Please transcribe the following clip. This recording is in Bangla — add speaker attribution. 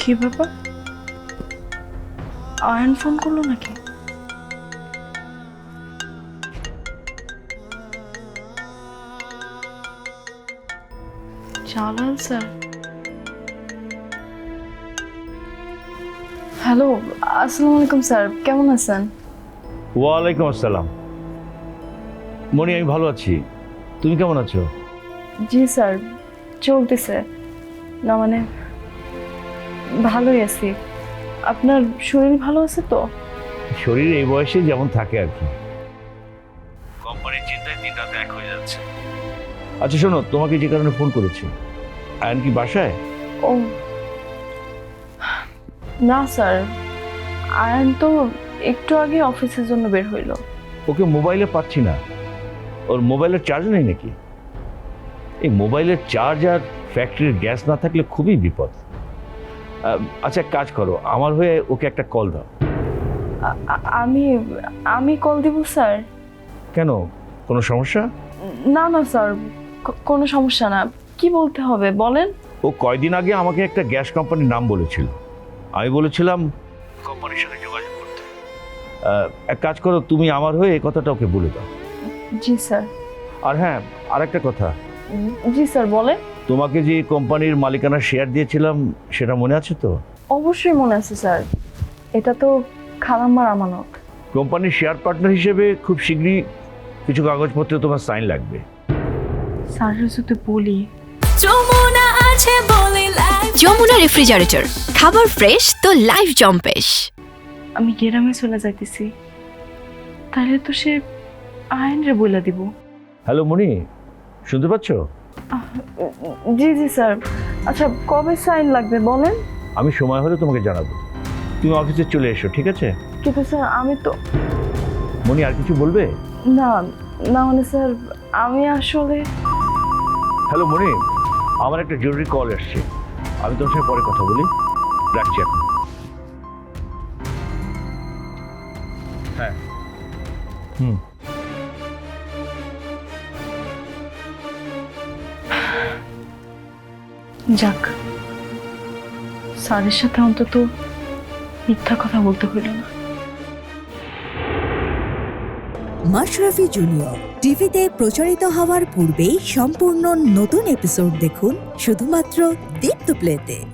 Speaker 1: কি ব্যাপার? আয়ন ফোন করলো নাকি? জালাল স্যার। হ্যালো, আসসালামু আলাইকুম স্যার, কেমন আছেন?
Speaker 2: ওয়ালাইকুম আসসালাম। মনি, আমি ভালো আছি, তুমি কেমন আছো?
Speaker 1: জি স্যার, চলতেছে। না মানে ভালোই আছি। আপনার শরীর ভালো আছে তো?
Speaker 2: শরীর এই বয়সে যেমন থাকে আর কি। কোম্পানির চিন্তায় দিন রাত এক হয়ে যাচ্ছে। আচ্ছা শোনো, তোমাকে যে কারণে ফোন করেছি, আয়ন কি বাসায়?
Speaker 1: ও না স্যার, আয়ন তো একটু আগে অফিসের জন্য বের হইলো।
Speaker 2: ওকে মোবাইলে পাচ্ছি না। ওর মোবাইলের চার্জ নেই নাকি? এই মোবাইলের চার্জ আর ফ্যাক্টরির গ্যাস না থাকলে খুবই বিপদ। আচ্ছা এক কাজ করো, আমার হয়ে ওকে একটা কল দাও।
Speaker 1: আমি আমি কল দিব স্যার?
Speaker 2: কেন, কোনো সমস্যা?
Speaker 1: না না স্যার, কোনো সমস্যা না। কি বলতে হবে বলেন?
Speaker 2: ও কয়দিন আগে আমাকে একটা গ্যাস কোম্পানির নাম বলেছিল। আমি বলেছিলাম কোম্পানির সাথে যোগাযোগ করতে। এক কাজ করো, তুমি আমার হয়ে এই কথাটা ওকে বলে দাও।
Speaker 1: জি স্যার।
Speaker 2: আর হ্যাঁ, আর একটা কথা,
Speaker 1: জি স্যার বলেন।
Speaker 2: তোমাকে যে কোম্পানির মালিকানা শেয়ার দিয়েছিলাম সেটা মনে আছে তো?
Speaker 1: অবশ্যই মনে আছে স্যার, এটা তো খালাম্মার আমানত।
Speaker 2: কোম্পানির শেয়ার পার্টনার হিসেবে খুব শীঘ্রই কিছু কাগজপত্রে তোমার সাইন লাগবে।
Speaker 1: স্যারের সাথে বলি।
Speaker 3: যমুনা রেফ্রিজারেটর, খাবার ফ্রেশ তো লাইফ জম্পেশ।
Speaker 1: আমি গ্রামে চলে যাইতেছি, তাহলে তো সে আইনরে বইলা দিব।
Speaker 2: হ্যালো মনি, শুনতে পাচ্ছ?
Speaker 1: জি জি স্যার। আচ্ছা কবে সাইন লাগবে বলেন?
Speaker 2: আমি সময় হলে তোমাকে জানাবো। তুমি অফিসে চলে এসো, ঠিক আছে?
Speaker 1: কিন্তু স্যার আমি তো।
Speaker 2: মনি, আর কিছু বলবে?
Speaker 1: না না মানে স্যার, আমি আসলে।
Speaker 2: হ্যালো মনি, আমার একটা জরুরি কল আসছে, আমি তোমার সাথে পরে কথা বলি, রাখছি এখন। হ্যাঁ।
Speaker 1: যাক, স্যারের সাথে অন্তত মিথ্যা কথা বলতে হইল না।
Speaker 4: মাশরাফি জুনিয়র টিভিতে প্রচারিত হওয়ার পূর্বেই সম্পূর্ণ নতুন এপিসোড দেখুন শুধুমাত্র দীপ্ত প্লেতে।